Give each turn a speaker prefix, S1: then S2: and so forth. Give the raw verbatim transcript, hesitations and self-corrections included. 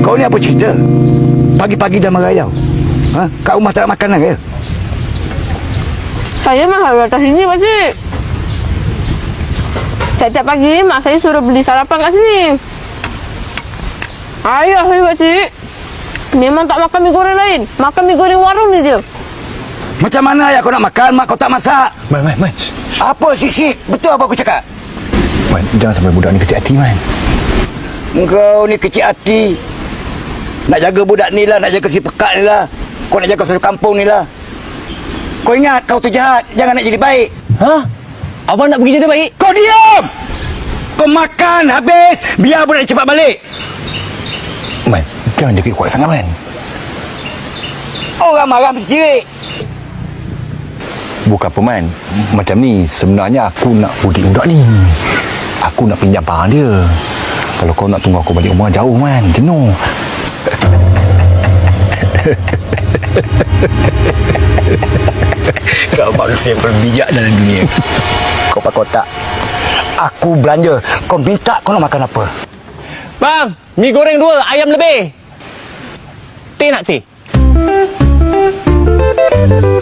S1: Kau ni apa cerita? Pagi-pagi dah merayau. Ha? Kat rumah tak ada makanan ke?
S2: Saya mah harus atas sini, pakcik. Setiap pagi, mak saya suruh beli sarapan kat sini. Ayah saya, pakcik, memang tak makan mi goreng lain. Makan mi goreng warung ni je.
S1: Macam mana ayah kau nak makan, mak kau tak masak?
S3: Man, man, man.
S1: Apa sik-sik? Betul apa aku cakap?
S3: Man, jangan sampai budak ni kecil hati, man.
S1: Kau ni kecil hati. Nak jaga budak ni lah, nak jaga si pekat ni lah. Kau nak jaga satu kampung ni lah. Kau ingat kau tu jahat, jangan nak jadi baik.
S4: Ha? Abang nak pergi jadi baik?
S1: Kau diam! Kau makan habis, biar budak ni cepat balik.
S3: Man, jangan jaga kuat sangat, man.
S1: Orang marah mesti cirik.
S3: Bukan apa, man. Macam ni, sebenarnya aku nak udik budak ni. Aku nak pinjam barang dia. Kalau kau nak tunggu aku balik rumah, jauh, man. Jenuh.
S1: Kau manusia yang paling bijak dalam dunia. Kau pakai otak. Aku belanja, kau minta kau nak makan apa?
S4: Bang, mi goreng dua, ayam lebih. Teh nak teh?